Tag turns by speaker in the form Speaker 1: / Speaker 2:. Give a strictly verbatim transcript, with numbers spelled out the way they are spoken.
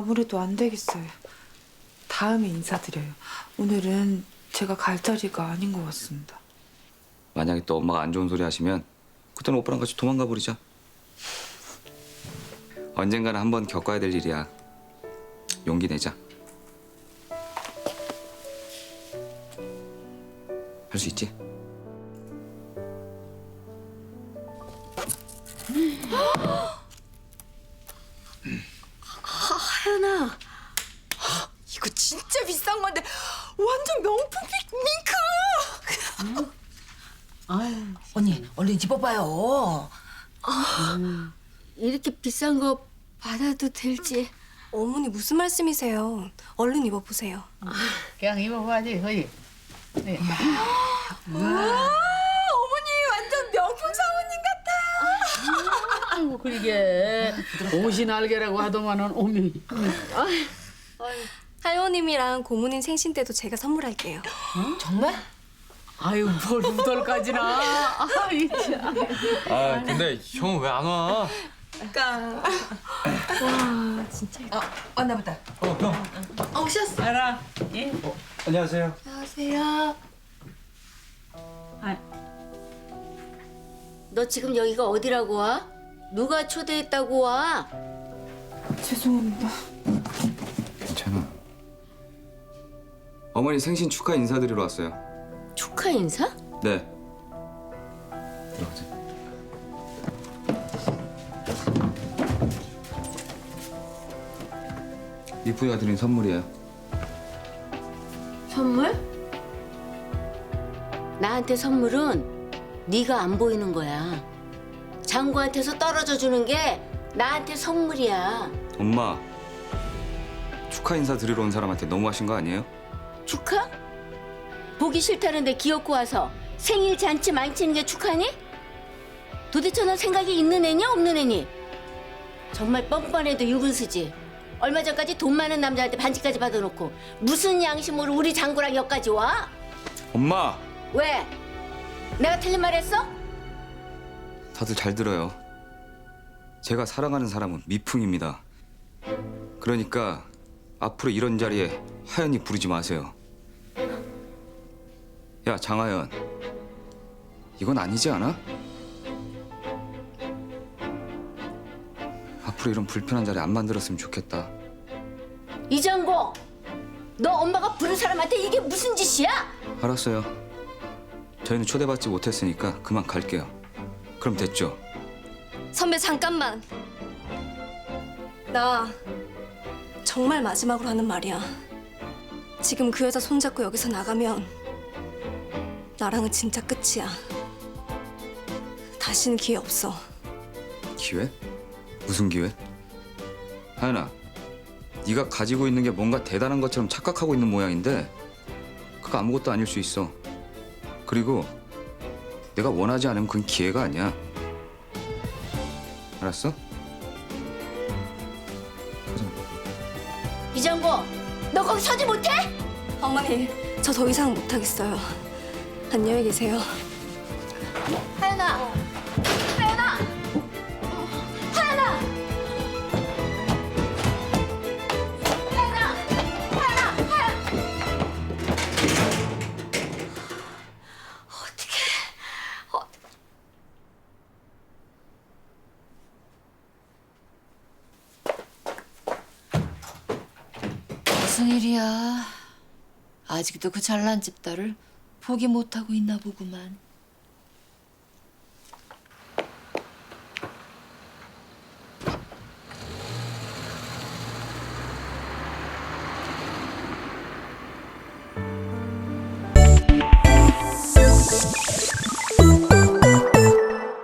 Speaker 1: 아무래도 안 되겠어요. 다음에 인사드려요. 오늘은 제가 갈 자리가 아닌 것 같습니다.
Speaker 2: 만약에 또 엄마가 안 좋은 소리 하시면 그때는 오빠랑 같이 도망가 버리자. 언젠가는 한번 겪어야 될 일이야. 용기 내자. 할 수 있지?
Speaker 3: 하연아, 이거 진짜 비싼 건데 완전 명품 핑 밍크.
Speaker 4: 아유, 언니 얼른 입어봐요.
Speaker 3: 이렇게 비싼 거 받아도 될지.
Speaker 5: 어머니 무슨 말씀이세요? 얼른 입어보세요.
Speaker 4: 그냥 입어봐야지, 거기. 네.
Speaker 3: 어머니 완전 명품 사모님 같아요.
Speaker 4: 아이고, 그러게. 옷이 날개라고 하더만은 어미.
Speaker 5: 할머님이랑 고모님 생신 때도 제가 선물할게요.
Speaker 4: 정말? 아유, 뭘 우덜까지나. 아이, 참.
Speaker 6: 아 근데 형 왜 안 와?
Speaker 3: 그러니까.
Speaker 4: 왔나 보다.
Speaker 6: 어 형.
Speaker 3: 어, 오셨어.
Speaker 4: 알아. 예?
Speaker 6: 안녕하세요.
Speaker 5: 안녕하세요.
Speaker 3: 너 지금 여기가 어디라고 와? 누가 초대했다고 와?
Speaker 1: 죄송합니다.
Speaker 2: 괜찮아. 어머니 생신 축하 인사드리러 왔어요.
Speaker 3: 축하 인사?
Speaker 2: 네. 들어가자. 이쁘이가 드린 선물이에요.
Speaker 3: 선물? 나한테 선물은 네가 안 보이는 거야. 장구한테서 떨어져 주는 게 나한테 선물이야.
Speaker 2: 엄마, 축하 인사 드리러 온 사람한테 너무하신 거 아니에요?
Speaker 3: 축하? 보기 싫다는데 기어코 와서 생일 잔치 망치는 게 축하니? 도대체 넌 생각이 있는 애냐 없는 애니? 정말 뻔뻔해도 유분수지. 얼마 전까지 돈 많은 남자한테 반지까지 받아놓고 무슨 양심으로 우리 장구랑 여기까지 와?
Speaker 2: 엄마!
Speaker 3: 왜? 내가 틀린 말 했어?
Speaker 2: 다들 잘 들어요. 제가 사랑하는 사람은 미풍입니다. 그러니까 앞으로 이런 자리에 하연이 부르지 마세요. 야, 장하연. 이건 아니지 않아? 앞으로 이런 불편한 자리 안 만들었으면 좋겠다.
Speaker 3: 이장고, 너 엄마가 부른 사람한테 이게 무슨 짓이야?
Speaker 2: 알았어요. 저희는 초대받지 못했으니까 그만 갈게요. 그럼 됐죠?
Speaker 5: 선배 잠깐만. 나 정말 마지막으로 하는 말이야. 지금 그 여자 손잡고 여기서 나가면 나랑은 진짜 끝이야. 다시는 기회 없어.
Speaker 2: 기회? 무슨 기회? 하연아, 네가 가지고 있는 게 뭔가 대단한 것처럼 착각하고 있는 모양인데 그거 아무것도 아닐 수 있어. 그리고 내가 원하지 않으면 그건 기회가 아니야. 알았어?
Speaker 3: 이장고, 너 거기 서지 못해?
Speaker 5: 어머니, 저 더 이상 못하겠어요. 안녕히 계세요.
Speaker 3: 하연아, 하연아, 하연아, 하연아, 하연아, 하연. 어떻게? 어.
Speaker 7: 무슨 일이야? 아직도 그 잘난 집 딸을 포기 못하고 있나 보구만.